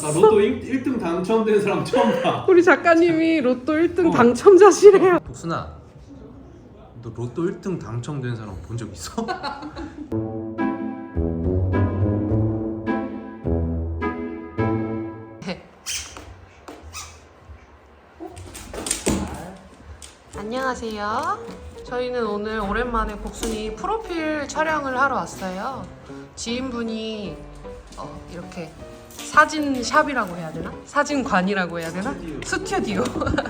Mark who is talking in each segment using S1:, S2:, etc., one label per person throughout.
S1: 로또 1등 당첨된 사람 처음 봐.
S2: 우리 작가님이 로또 1등 당첨자시래요.
S1: 복순아, 너 로또 1등 당첨된 사람 본 적 있어?
S2: 안녕하세요. 저희는 오늘 오랜만에 복순이 프로필 촬영을 하러 왔어요. 지인분이 이렇게 사진샵이라고 해야 되나? 사진관이라고 해야 되나? 스튜디오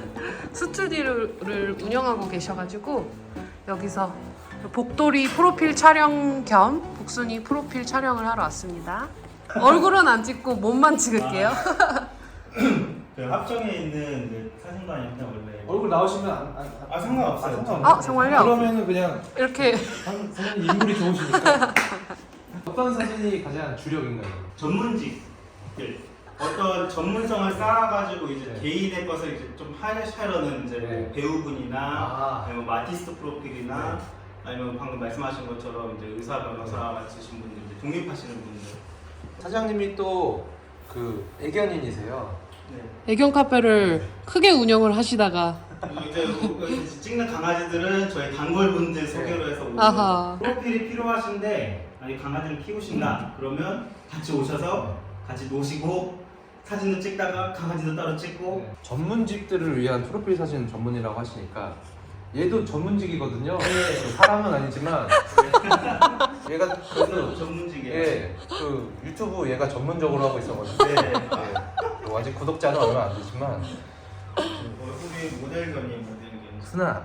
S2: 스튜디오를 운영하고 계셔가지고 여기서 복돌이 프로필 촬영 겸 복순이 프로필 촬영을 하러 왔습니다. 얼굴은 안 찍고 몸만 찍을게요.
S3: 그 합정에 있는 그 사진관인데 원래
S1: 얼굴 나오시면
S3: 상관없어요.
S2: 정말요?
S1: 그러면은 그냥
S2: 이렇게
S1: 선생님 인물이 좋으시니까. 어떤 사진이 가장 주력인가요?
S3: 전문직들 어떤 전문성을 쌓아가지고 이제
S1: 네.
S3: 개인의 것을 이제 좀 하려는 이제 뭐
S1: 네.
S3: 배우분이나 아니면 뭐 아티스트 프로필이나
S1: 네.
S3: 아니면 방금 말씀하신 것처럼 이제 의사 변호사 같으신 분들 이제 독립하시는 분들.
S1: 사장님이 또 그 애견인이세요.
S3: 네.
S2: 애견 카페를 크게 운영을 하시다가
S3: 이제 찍는 강아지들은 저희 단골분들 소개로 해서 오는
S2: 아하.
S3: 프로필이 필요하신데 아니 강아지를 키우신다 그러면 같이 오셔서 같이 노시고 사진도 찍다가 강아지도 따로 찍고
S1: 전문직들을 위한 프로필 사진 전문이라고 하시니까 얘도 전문직이거든요. 사람은 아니지만 얘가
S3: 그래서 전문직이에요.
S1: 예, 그 유튜브 얘가 전문적으로 하고 있어가지고
S3: 네.
S1: 예, 아직 구독자는 얼마 안 되지만
S3: 얼굴이 모델견이에요 모델견.
S1: 순아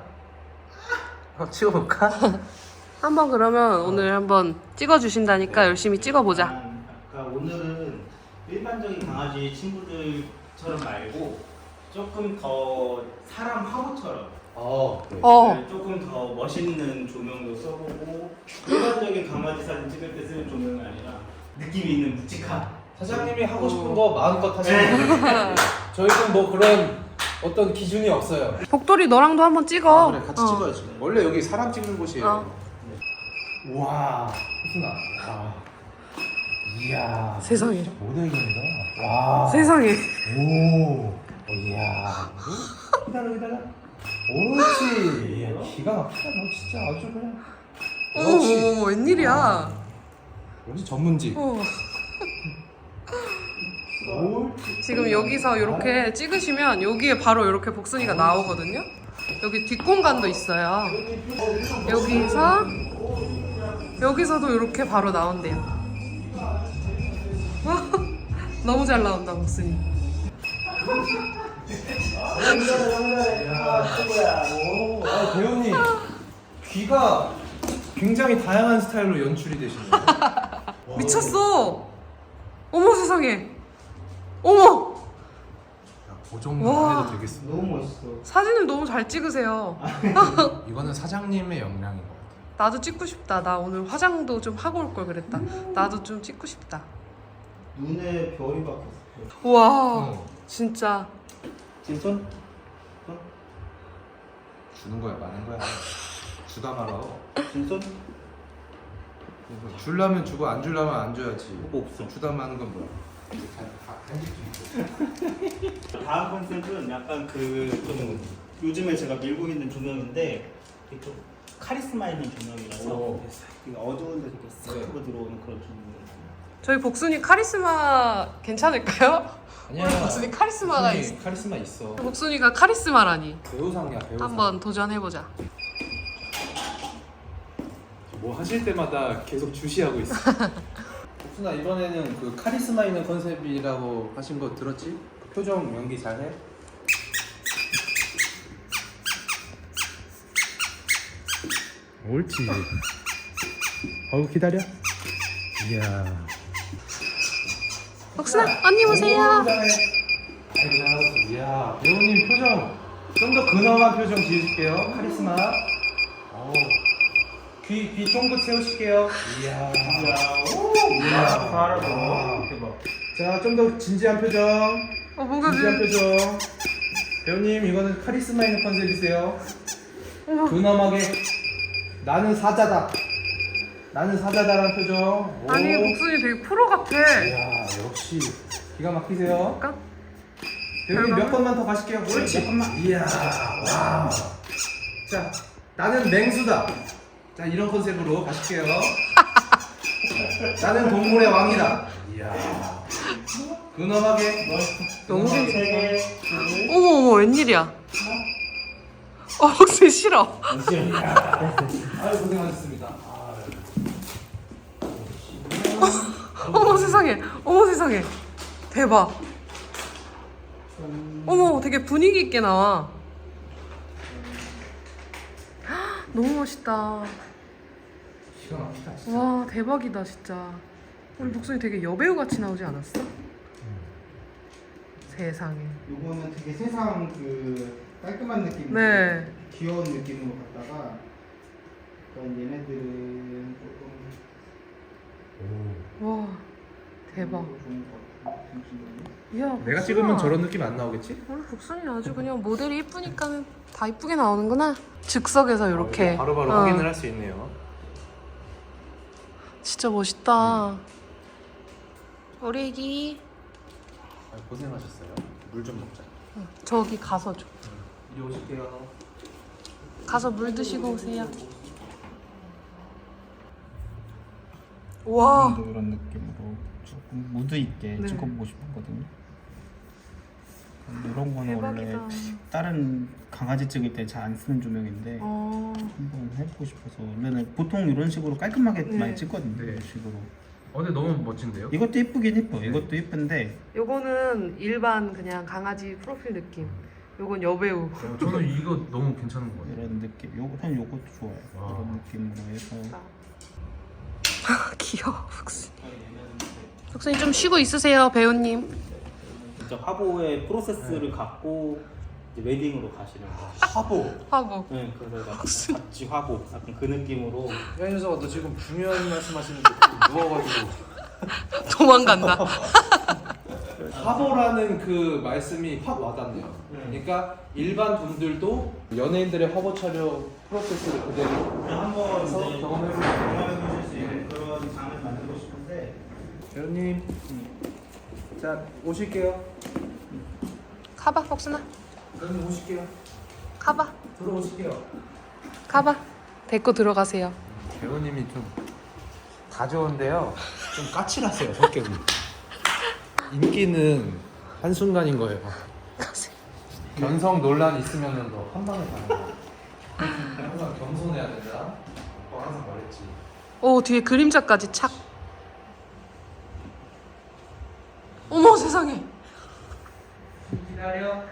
S1: 한번 찍어볼까?
S2: 한번 그러면 오늘 한번 찍어주신다니까 열심히 찍어보자.
S3: 아까 오늘은 일반적인 강아지 친구들처럼 말고 조금 더 사람 화보처럼 네, 조금 더 멋있는 조명도 써보고 일반적인 강아지 사진 찍을 때 쓰는 조명이 아니라 느낌 있는 묵직한
S1: 사장님이 하고 싶은 거 마음껏 하시면 돼요. 저희는 뭐 그런 어떤 기준이 없어요.
S2: 복돌이 너랑도 한번 찍어.
S1: 그래 같이 찍어야지. 원래 여기 사람 찍는 곳이에요. 와, 희순아. 와. 이야.
S2: 세상에.
S1: 모델견이다. 와.
S2: 세상에.
S1: 오. 이야. 기다려. 옳지. 이야, 기가 막히다. 너 진짜 아주 그냥.
S2: 어머 웬일이야.
S1: 역시 전문직.
S2: 지금 여기서 이렇게 찍으시면 여기에 바로 이렇게 복순이가 나오거든요. 여기 뒷공간도 있어요. 여기서도 이렇게 바로 나온대요. 와, 너무 잘 나온다 복순이.
S1: 배우님 귀가 굉장히 다양한 스타일로 연출이 되시네요.
S2: 미쳤어. 어머 세상에. 어머.
S1: 그 정도만
S2: 와.
S1: 해도 되겠어.
S3: 너무 멋있어.
S2: 사진을 너무 잘 찍으세요.
S1: 이거는 사장님의 역량인 것 같아요.
S2: 나도 찍고 싶다. 나 오늘 화장도 좀 하고 올 걸 그랬다. 나도 좀 찍고 싶다.
S3: 눈에 별이 박혔어.
S2: 와, 진짜.
S3: 진손?
S1: 주는 거야, 많은 거야. 주다 말어.
S3: 진손?
S1: 줄라면 주고 안 줄라면 안 줘야지.
S3: 뭐 없어.
S1: 주다 마는 건 뭐야?
S3: 다음 컨셉은 약간 그 좀 요즘에 제가 밀고 있는 조명인데 이게 좀 카리스마 있는 조명이라서 되게 어두운데 되게 싹 하고 들어오는 그런 조명이에요.
S2: 저희 복순이 카리스마 괜찮을까요?
S1: 아니야.
S2: 우리 복순이 카리스마가 있어.
S1: 카리스마 있어.
S2: 복순이가 카리스마라니.
S1: 배우상이야, 배우상.
S2: 한번 도전해보자.
S1: 뭐 하실 때마다 계속 주시하고 있어. 복순아, 이번에는 그 카리스마 있는 컨셉이라고 하신 거 들었지? 표정 연기 잘해? 옳지. 기다려. 이야.
S2: 복순아, 언니 오세요.
S1: 아이고, 잘하셨어. 이야, 배우님 표정 좀 더 근엄한 표정 지으실게요. 카리스마. 귀 쫑긋 세우실게요. 이야. 이야.
S3: 잘하고 대박.
S1: 자, 좀 더 진지한 표정.
S2: 뭐가
S1: 진지한 표정. 배우님, 이거는 카리스마 있는 컨셉이세요. 근엄하게 나는 사자다. 나는 사자다라는 표정.
S2: 아니, 복순이 되게 프로 같아.
S1: 이야, 역시 기가 막히세요.
S2: 볼까?
S1: 배우님 몇 번만 더 가실게요. 옳지. 몇 번만. 이야, 와. 자, 나는 맹수다. 자, 이런 컨셉으로 가실게요. 나는 동물의 왕이다. 이야. 근엄하게.
S2: 너무
S3: 세 개.
S2: 어머 웬일이야? 복순이 싫어.
S1: 아유, 고생하셨습니다.
S2: 어머 세상에. 어머 세상에. 대박. 어머 되게 분위기 있게 나와. 헉, 너무 멋있다.
S1: 기가 막히다, 진짜.
S2: 와 대박이다 진짜. 우리 복순이 되게 여배우 같이 나오지 않았어? 세상에.
S3: 요거는 되게 세상 그 깔끔한 느낌,
S2: 네.
S3: 귀여운 느낌으로 갔다가 그런 얘네들은 조금
S2: 와 대박.
S3: 좋은 것 같아요. 잠시만요.
S2: 이야,
S1: 내가
S2: 복순아.
S1: 찍으면 저런 느낌 안 나오겠지?
S2: 우리 복순이 아주 그냥 모델이 이쁘니까 다 이쁘게 나오는구나. 즉석에서 이렇게.
S1: 바로바로
S2: 어.
S1: 확인을 할 수 있네요.
S2: 진짜 멋있다. 우리 애기.
S1: 고생하셨어요. 물 좀 먹자.
S2: 저기 가서 줘.
S1: 이리 오실게요.
S2: 가서 물 드시고 오세요. 와.
S3: 이런 느낌으로 조금 무드 있게
S2: 네.
S3: 찍어보고 싶었거든요. 이런 거는
S2: 대박이다.
S3: 원래 다른 강아지 찍을 때 잘 안 쓰는 조명인데
S2: 어.
S3: 한번 해보고 싶어서 원래는 보통 이런 식으로 깔끔하게
S2: 네.
S3: 많이 찍거든요.
S1: 네.
S3: 이런 식으로.
S1: 근데 너무 멋진데요?
S3: 이것도 예쁘긴 예뻐. 이것도 예쁜데
S2: 요거는 일반 그냥 강아지 프로필 느낌. 요건 여배우.
S1: 저는 이거 너무 괜찮은 것 같아요.
S3: 이런 느낌. 전 요것도 좋아요.
S1: 와.
S3: 이런 느낌으로 해서
S2: 귀여워 복순이. 복순이 좀 쉬고 있으세요 배우님.
S3: 진짜 화보의 프로세스를 갖고 이제 웨딩으로 가시는 거.
S1: 화보.
S2: 하고.
S3: 네, 그래서 같이 화보 약간 그 느낌으로.
S1: 야, 현서가 너 지금 중요한 말씀하시는데 누워가지고
S2: 도망간다.
S1: 화보라는 그 말씀이 확 와닿네요. 그러니까 일반 분들도 연예인들의 화보 촬영 프로세스를 그대로
S3: 한번
S1: 해서
S3: 이제
S1: 경험해보실
S3: 수 있는 그런 장을 만들고 싶은데.
S1: 배우님, 자 오실게요.
S2: 가봐 복순아.
S1: 배우님 오실게요.
S2: 가봐.
S1: 들어오실게요.
S2: 가봐. 데리고 들어가세요.
S1: 배우님이 좀 다 좋은데요. 좀 까칠하세요 성격이. 인기는 한 순간인 거예요.
S2: 가세요.
S1: 견성 논란 있으면은 너 한 방에 가는 거야. 항상 겸손해야 된다. 오빠 항상 말했지.
S2: 오 뒤에 그림자까지 착. 어머 세상에.
S1: 기다려.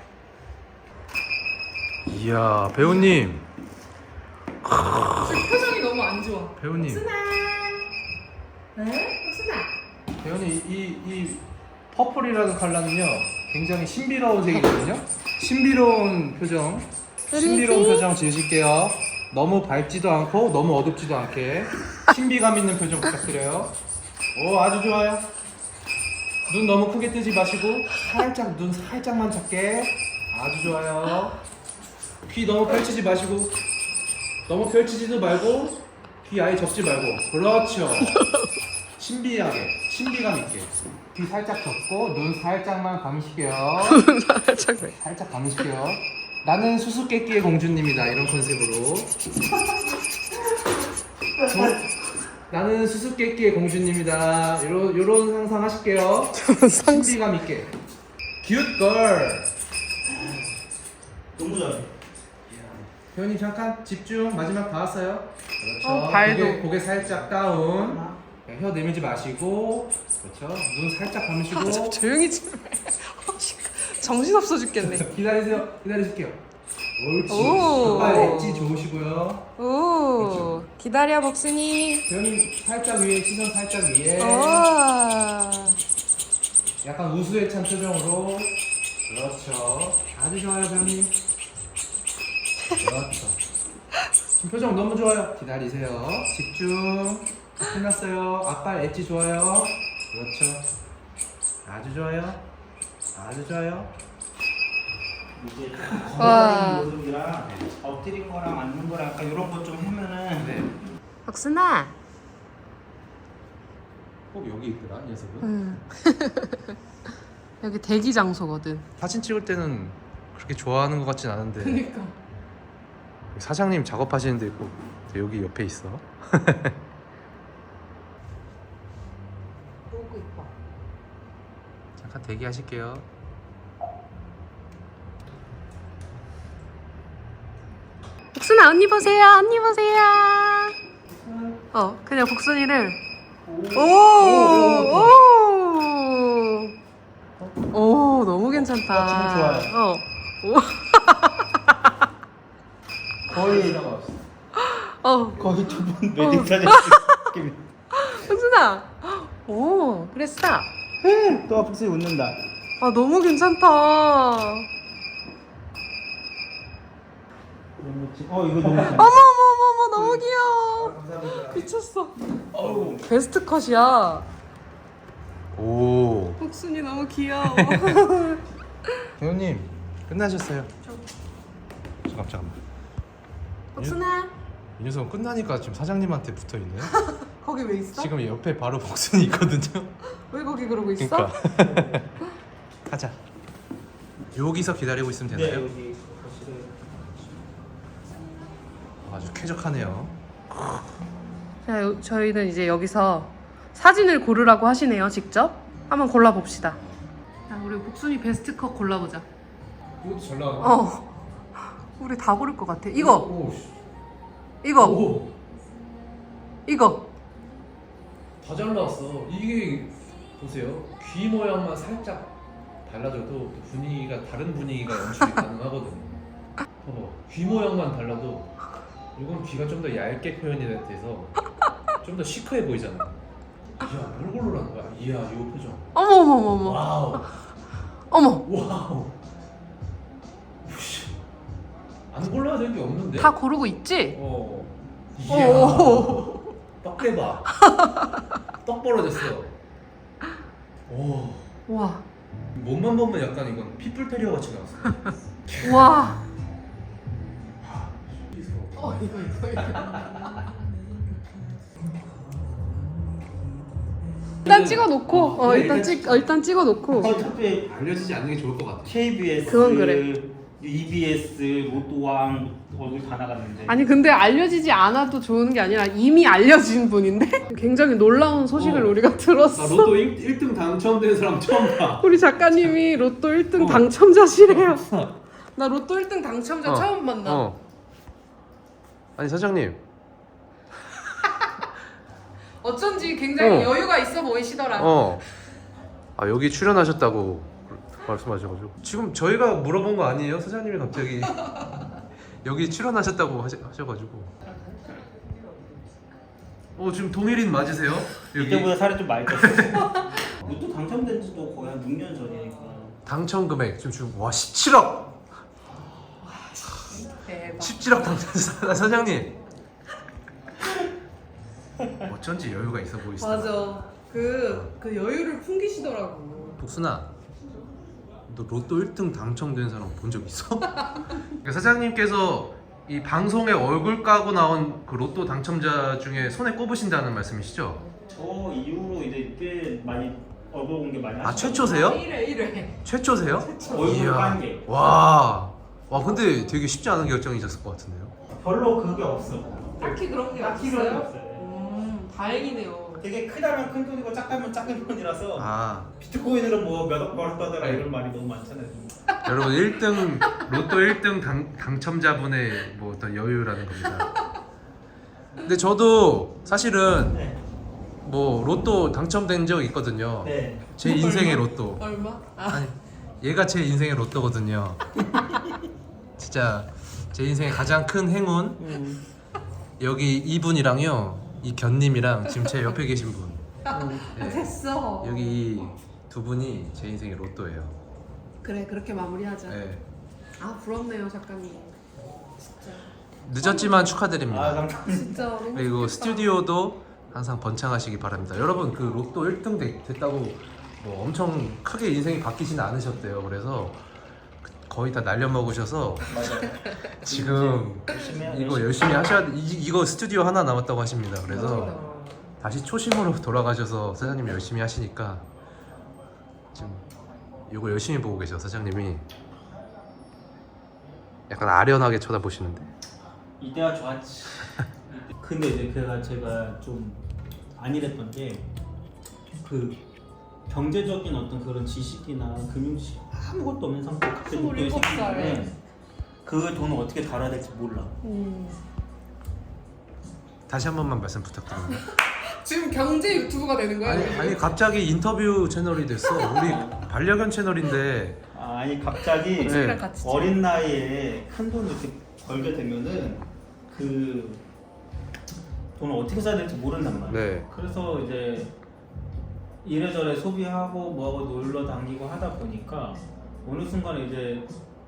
S1: 이야 배우님.
S2: 표정이 너무 안 좋아.
S1: 배우님.
S2: 네? 복순아.
S1: 배우님 이 퍼플이라는 컬러는요 굉장히 신비로운 색이거든요. 신비로운 표정. 신비로운 표정 지으실게요. 너무 밝지도 않고 너무 어둡지도 않게 신비감 있는 표정 부탁드려요. 오 아주 좋아요. 눈 너무 크게 뜨지 마시고 살짝 눈 살짝만 작게. 아주 좋아요. 귀 너무 펼치지 마시고 너무 펼치지도 말고 귀 아예 접지 말고. 그렇죠. 신비하게 신비감 있게 귀 살짝 접고 눈 살짝만 감으실게요. 살짝 감으실게요. 나는 수수께끼의 공주님이다 이런 컨셉으로. 나는 수수께끼의 공주님이다 요런 상상 하실게요. 신비감 있게. 큐걸.
S3: 너무 잘해.
S1: 배우님 잠깐 집중. 마지막 다 왔어요. 그렇죠.
S2: 발도.
S1: 고개 살짝 다운. 혀 내밀지 마시고. 그렇죠. 눈 살짝 감으시고.
S2: 조용히 좀 해. 정신없어 죽겠네.
S1: 기다리세요. 기다리실게요. 옳지.
S2: 오.
S1: 아빠 엣지 좋으시고요.
S2: 오
S1: 그렇죠.
S2: 기다려 복순이.
S1: 배우님 살짝 위에 시선 살짝 위에.
S2: 와.
S1: 약간 우수에 찬 표정으로. 그렇죠. 아주 좋아요 배우님. 그렇죠. 지금 표정 너무 좋아요. 기다리세요. 집중. 끝났어요. 앞발 엣지 좋아요. 그렇죠. 아주 좋아요. 아주 좋아요.
S3: 이제
S2: 와.
S3: 걸어가는 모습이랑 엎드린 거랑 앉는 거랑 약간 이런 거 좀 하면은.
S1: 네.
S2: 복순아.
S1: 꼭 여기 있더라 이 녀석은.
S2: 여기 대기 장소거든.
S1: 사진 찍을 때는 그렇게 좋아하는 것 같진 않은데
S2: 그니까.
S1: 사장님 작업하시는 데 있고 여기 옆에 있어.
S2: 너무 이뻐.
S1: 잠깐 대기하실게요.
S2: 복순아 언니 보세요. 언니 보세요. 그냥 복순이를 오 너무 괜찮다.
S3: 지금 좋아요. 거의 거의 두분 웨딩 사진 찍기.
S2: 복순아. 오 그래 스탑.
S3: 또 복순이 웃는다.
S2: 아 너무 괜찮다.
S3: 이거 너무 좋아.
S2: 어머 너무 귀여워.
S3: 감사합니다.
S2: 미쳤어.
S3: 어우.
S2: 베스트 컷이야.
S1: 오.
S2: 복순이 너무 귀여워.
S1: 배우님 끝나셨어요? 잠깐만.
S2: 복순아
S1: 이 녀석은 끝나니까 지금 사장님한테 붙어 있네.
S2: 거기 왜 있어?
S1: 지금 옆에 바로 복순이 있거든요.
S2: 왜 거기 그러고 있어?
S1: 그러니까. 가자. 여기서 기다리고 있으면
S3: 네
S1: 되나요?
S3: 여기 거실에.
S1: 아주 쾌적하네요.
S2: 자, 저희는 이제 여기서 사진을 고르라고 하시네요. 직접 한번 골라봅시다. 자, 우리 복순이 베스트 컷 골라보자.
S1: 이것도 잘 나와.
S2: 우리 다 고를 것 같아. 이거
S1: 오.
S2: 이거 이거
S4: 다 잘 나왔어. 이게 보세요. 귀 모양만 살짝 달라져도 또 분위기가 다른 분위기가 연출이 가능하거든요. 봐봐. 귀 모양만 달라도 이건 귀가 좀 더 얇게 표현이 돼서 좀 더 시크해 보이잖아. 이야, 뭘 고르라는 거야? 이야, 이 표정.
S2: 어머
S4: 와우.
S2: 어머
S4: 와우. 우씨. 안 골라야 될 게 없는데?
S2: 다 고르고 있지?
S4: 이야.
S2: 오.
S4: 떡 대박. 떡 벌어졌어. 오.
S2: 와
S4: 몸만 보면 약간 이건 피플 테리어 같이 나왔어.
S2: 와.
S4: 이거.
S2: 일단 찍어놓고 일단 찍어놓고
S3: 어차피
S1: 알려지지 않는 게 좋을 것 같아.
S3: KBS,
S2: 그건 그래.
S3: EBS, 로또왕 얼굴 다 나갔는데.
S2: 아니 근데 알려지지 않아도 좋은 게 아니라 이미 알려진 분인데 굉장히 놀라운 소식을 우리가 들었어.
S1: 나 로또 1등 당첨된 사람 처음 봐.
S2: 우리 작가님이 로또 1등 당첨자시래요. 나 로또 1등 당첨자 처음 만나.
S1: 아니 사장님.
S2: 어쩐지 굉장히
S1: 어.
S2: 여유가 있어 보이시더라.
S1: 아 여기 출연하셨다고 말씀하셔가지고 지금 저희가 물어본 거 아니에요? 사장님이 갑자기 여기 출연하셨다고 하셔가지고. 지금 동일인 맞으세요?
S3: 이때보다 살이 좀 많이 쪘어. 로또 당첨된 지도 거의 한 6년 전이니까.
S1: 당첨 금액 지금 와 17억.
S2: 대박.
S1: 17억 당첨 사장님. 어쩐지 여유가 있어 보이시다.
S2: 맞아. 그 여유를 풍기시더라고.
S1: 복순아, 너 로또 1등 당첨된 사람 본 적 있어? 그러니까 사장님께서 이 방송에 얼굴 까고 나온 그 로또 당첨자 중에 손에 꼽으신다는 말씀이시죠?
S3: 저 이후로 이제 꽤 많이 얼굴 공개 많이
S1: 아
S3: 하시죠.
S1: 최초세요?
S2: 1회.
S1: 최초세요?
S3: 얼굴
S1: 이야.
S3: 깐 게.
S1: 와 근데 되게 쉽지 않은 결정이셨을 것 같은데요?
S3: 별로 그게 없어.
S2: 딱히 그런 게
S3: 딱히 그런 게
S2: 없어요?
S3: 없어요.
S2: 다행이네요.
S3: 되게 크다면 큰 돈이고 작다면 작은 돈이라서
S1: 아
S3: 비트코인으로 뭐 몇억 벌었다더라 이런 말이 너무 많잖아요.
S1: 여러분 1등 로또 1등 당첨자분의 뭐 어떤 여유라는 겁니다. 근데 저도 사실은
S3: 네.
S1: 뭐 로또 당첨된 적 있거든요.
S3: 네.
S1: 제 인생의 로또.
S2: 얼마?
S1: 아니 얘가 제 인생의 로또거든요. 진짜 제 인생의 가장 큰 행운. 여기 이분이랑요 이 견님이랑 지금 제 옆에 계신 분. 네.
S2: 됐어.
S1: 여기 이 두 분이 제 인생의 로또예요.
S2: 그래 그렇게 마무리하자.
S1: 네.
S2: 아 부럽네요 작가님. 진짜.
S1: 늦었지만 축하드립니다.
S3: 아 감사합니다.
S2: 진짜 너무
S1: 그리고
S2: 좋겠다.
S1: 스튜디오도 항상 번창하시기 바랍니다. 여러분 그 로또 1등 됐다고 뭐 엄청 크게 인생이 바뀌지는 않으셨대요. 그래서 거의 다 날려먹으셔서
S3: 맞아.
S1: 지금
S3: 열심히 해야
S1: 이거 열심히 하셔야 돼. 이거 스튜디오 하나 남았다고 하십니다. 그래서 다시 초심으로 돌아가셔서 사장님 열심히 하시니까 지금 이거 열심히 보고 계셔 사장님이. 약간 아련하게 쳐다보시는데.
S3: 이때가 좋았지. 근데 이제 제가 좀 안일했던 게 그 경제적인 어떤 그런 지식이나 금융 지식 아무것도 없는 상태에 갑자기 목돈이
S2: 27살.
S3: 생기는데 그 돈을 어떻게 달아야 될지 몰라.
S1: 다시 한 번만 말씀 부탁드립니다.
S2: 지금 경제 유튜브가 되는 거야?
S1: 아니 갑자기 인터뷰 채널이 됐어. 우리 반려견 채널인데.
S3: 아니 갑자기
S1: 네.
S2: 같이
S3: 어린 나이에 큰 돈을 이렇게 벌게 되면은 그 돈을 어떻게 써야 될지 모른단 말이야.
S1: 네.
S3: 그래서 이제 이래저래 소비하고 뭐하고 놀러 다니고 하다 보니까 어느 순간에 이제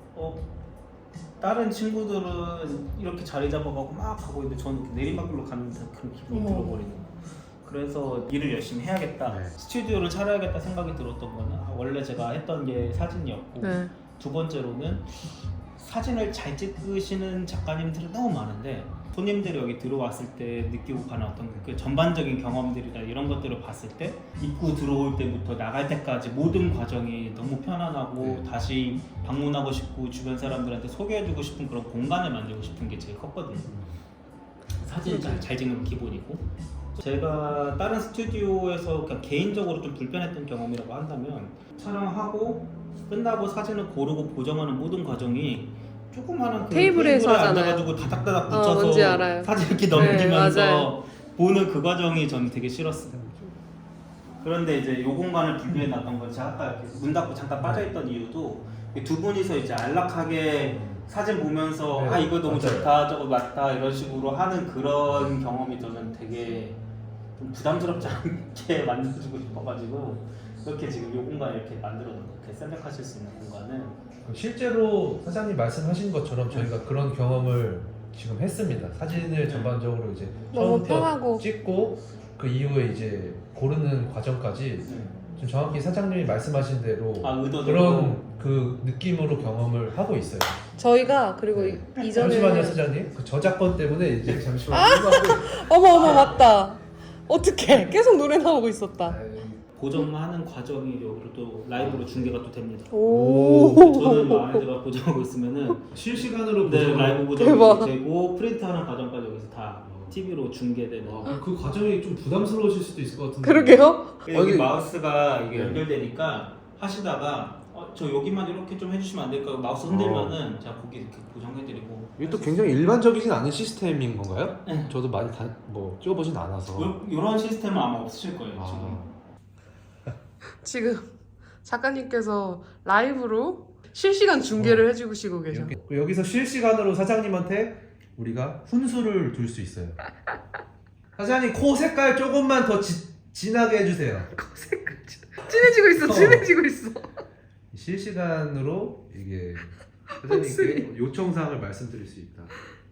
S3: 다른 친구들은 이렇게 자리 잡아가고 막 가고 있는데 저는 이렇게 내리막길로 가는 듯한 그런 기분이 들어버리는 거예요. 그래서 일을 열심히 해야겠다,
S1: 네.
S3: 스튜디오를 차려야겠다 생각이 들었던 거는 원래 제가 했던 게 사진이었고
S2: 네.
S3: 두 번째로는 사진을 잘 찍으시는 작가님들이 너무 많은데 손님들이 여기 들어왔을 때 느끼고 가는 어떤 그 전반적인 경험들이나 이런 것들을 봤을 때 입구 들어올 때부터 나갈 때까지 모든 과정이 너무 편안하고 다시 방문하고 싶고 주변 사람들한테 소개해주고 싶은 그런 공간을 만들고 싶은 게 제일 컸거든요. 사진 잘 찍는 건 기본이고, 제가 다른 스튜디오에서 그냥 개인적으로 좀 불편했던 경험이라고 한다면 촬영하고 끝나고 사진을 고르고 보정하는 모든 과정이 조그마한 그
S2: 테이블에서
S3: 테이블에
S2: 하잖아요.
S3: 앉아가지고 다닥다닥
S2: 뭔지
S3: 붙여서
S2: 알아요.
S3: 사진 이렇게
S2: 네,
S3: 넘기면서
S2: 맞아요.
S3: 보는 그 과정이 저는 되게 싫었어요. 그런데 이제 요 공간을 분리해 놨던 건 제가 아까 이렇게 문 닫고 잠깐 빠져있던 이유도 두 분이서 이제 안락하게 사진 보면서
S1: 네,
S3: 아 이거 너무
S1: 맞아요.
S3: 좋다 저거 맞다 이런 식으로 하는 그런 경험이 저는 되게 좀 부담스럽지 않게 만들어주고 싶어가지고 이렇게 지금 요 공간을 이렇게 만들어놓은 거예요. 이렇게 셀렉하실 수 있는 공간은.
S4: 실제로 사장님 말씀하신 것처럼 저희가 그런 경험을 지금 했습니다. 사진을 전반적으로 이제
S2: 너무
S4: 처음부터
S2: 편하고.
S4: 찍고 그 이후에 이제 고르는 과정까지 좀 정확히 사장님이 말씀하신 대로
S3: 의도대로
S4: 그런 그 느낌으로 경험을 하고 있어요.
S2: 저희가 그리고 이전에
S4: 잠시만요, 사장님. 그 저작권 때문에 이제 잠시만.
S2: 어머 맞다. 어떡해 계속 노래 나오고 있었다.
S3: 보정하는 과정이 여기로 또 라이브로 중계가 또 됩니다.
S2: 오.
S3: 저는 안에다가 보정하고 있으면은
S4: 실시간으로
S3: 네,
S4: 보정을-
S3: 라이브
S2: 대박.
S3: 보정이 되고 프린트하는 과정까지 여기서 다 TV로 중계되는.
S4: 그 과정이 좀 부담스러우실 수도 있을 것 같은데.
S2: 그러게요.
S3: 여기 마우스가 이게
S4: 네.
S3: 연결되니까 하시다가 저 여기만 이렇게 좀 해주시면 안 될까요? 마우스 흔들면은 제가 거기 이렇게 보정해드리고.
S1: 이게 또 굉장히 일반적이진 않은 시스템인 건가요?
S3: 네.
S1: 저도 많이 찍어보진 않아서.
S3: 이런 시스템은 아마 없으실 거예요 지금.
S2: 지금 작가님께서 라이브로 실시간 중계를 해주시고 계셔.
S1: 여기서 실시간으로 사장님한테 우리가 훈수를 둘 수 있어요. 사장님 코 색깔 조금만 더 진하게 해주세요.
S2: 진해지고 있어. 진해지고 있어.
S1: 실시간으로 이게 사장님께 요청사항을 말씀드릴 수 있다.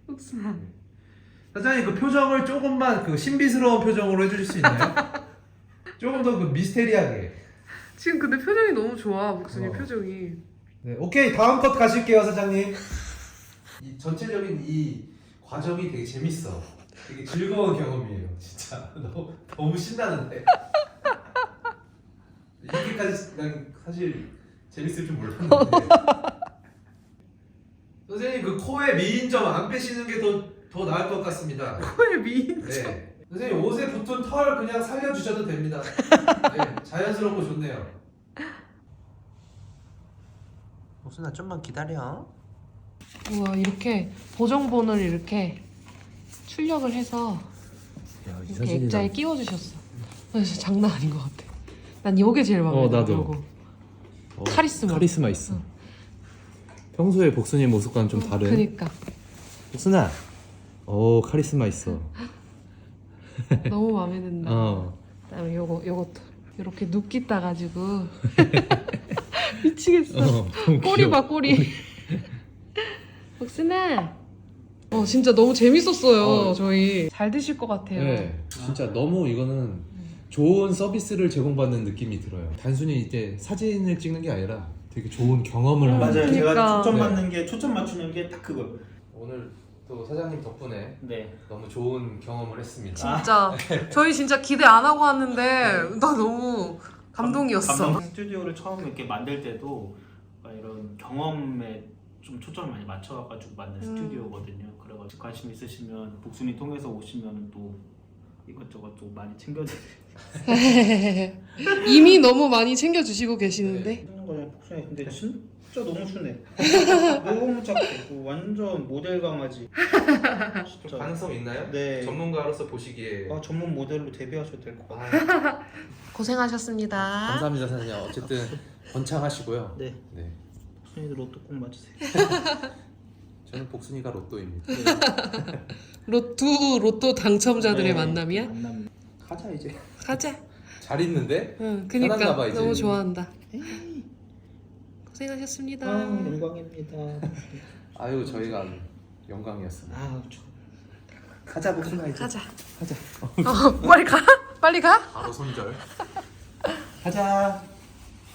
S1: 사장님 그 표정을 조금만 그 신비스러운 표정으로 해주실 수 있나요? 조금 더 그 미스테리하게.
S2: 지금 근데 표정이 너무 좋아. 목순이
S1: 어.
S2: 표정이.
S1: 네, 오케이 다음 컷 가실게요 사장님. 이 전체적인 이 과정이 되게 재밌어. 되게 즐거운 경험이에요, 진짜. 너무 신나는데. 이렇게까지 난 사실 재밌을 줄 몰랐는데. 선생님 그 코에 미인점 안 빼시는 게 더 나을 것 같습니다.
S2: 코에 미인.
S1: 네. 선생님 옷에 붙은 털 그냥 살려주셔도 됩니다. 네, 자연스럽고 좋네요. 옥순아 좀만 기다려.
S2: 우와 이렇게 보정본을 이렇게 출력을 해서 이렇게 액자에 끼워주셨어. 진짜 장난 아닌 것 같아. 난 이게 제일 마음에 들어.
S1: 나도.
S2: 카리스마.
S1: 있어. 평소에 복순이의 모습과는 좀 다른.
S2: 그니까
S1: 복순아. 오 카리스마 있어.
S2: 너무 마음에 든다.
S1: 어.
S2: 그다음에 요것도 이렇게 눕기 따가지고 미치겠어.
S1: 너무
S2: 꼬리
S1: 귀여워.
S2: 봐 꼬리. 복순아. 진짜 너무 재밌었어요. 저희 잘 드실 것 같아요.
S1: 네, 진짜 너무 이거는 좋은 서비스를 제공받는 느낌이 들어요. 단순히 이제 사진을 찍는 게 아니라 되게 좋은 경험을 하는.
S3: 맞아요.
S2: 그러니까.
S3: 제가 초점 맞는 게 초점 맞추는 게 딱 그거.
S1: 오늘 또 사장님 덕분에
S3: 네.
S1: 너무 좋은 경험을 했습니다.
S2: 진짜 저희 진짜 기대 안 하고 왔는데 나 너무 감동이었어.
S3: 스튜디오를 처음 이렇게 만들 때도 이런 경험에 좀 초점을 많이 맞춰가지고 만든 스튜디오거든요. 그래가지고 관심 있으시면 복순이 통해서 오시면 또 이것저것 좀 많이 챙겨드릴게요.
S2: 이미 너무 많이 챙겨주시고 계시는데.
S3: 하는 거잖아요, 복순이. 근데 진짜 너무 순해. 너무 착해. 완전 모델 강아지. 진짜.
S1: 가능성 있나요?
S3: 네.
S1: 전문가로서 보시기에.
S3: 전문 모델로 데뷔하셔도 될 것 같아요.
S2: 고생하셨습니다.
S1: 감사합니다 사장님. 어쨌든 번창하시고요.
S3: 네.
S1: 네.
S3: 복순이도 로또 꼭 맞으세요.
S1: 저는 복순이가 로또입니다.
S2: 로또 당첨자들의
S3: 네,
S2: 만남이야?
S3: 만남. 가자 이제.
S2: 가자.
S1: 잘 있는데?
S2: 응,
S1: 편한가
S2: 그니까
S1: 봐, 이제.
S2: 너무 좋아한다. 고생하셨습니다.
S3: 영광입니다.
S1: 아유 저희가 영광이었습니다.
S3: 가자 복순아 이제.
S2: 가자. 빨리 가. 빨리 가.
S1: 바로 손절.
S3: 가자.